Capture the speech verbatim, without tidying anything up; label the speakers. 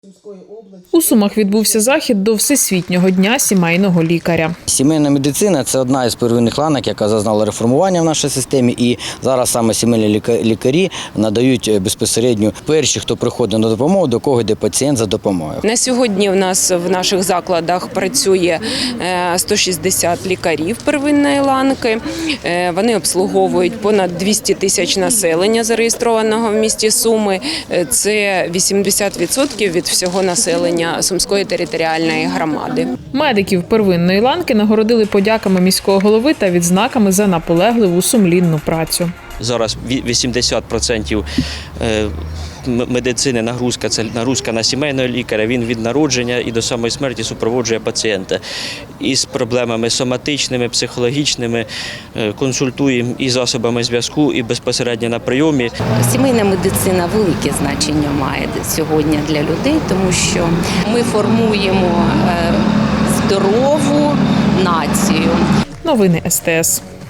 Speaker 1: У Сумах відбувся захід до Всесвітнього дня сімейного лікаря.
Speaker 2: Сімейна медицина – це одна із первинних ланок, яка зазнала реформування в нашій системі. І зараз саме сімейні лікарі надають безпосередньо перші, хто приходить на допомогу, до кого йде пацієнт за допомогою.
Speaker 3: На сьогодні в нас в наших закладах працює сто шістдесят лікарів первинної ланки. Вони обслуговують понад двісті тисяч населення, зареєстрованого в місті Суми. Це вісімдесят відсотків від всього населення Сумської територіальної громади.
Speaker 1: Медиків первинної ланки нагородили подяками міського голови та відзнаками за наполегливу сумлінну працю.
Speaker 4: Зараз вісімдесят відсотків медицини нагрузка – це нагрузка на сімейного лікаря. Він від народження і до самої смерті супроводжує пацієнта. Із проблемами соматичними, психологічними, консультуємо і засобами зв'язку, і безпосередньо на прийомі.
Speaker 5: Сімейна медицина велике значення має сьогодні для людей, тому що ми формуємо здорову націю.
Speaker 1: Новини ес те ес.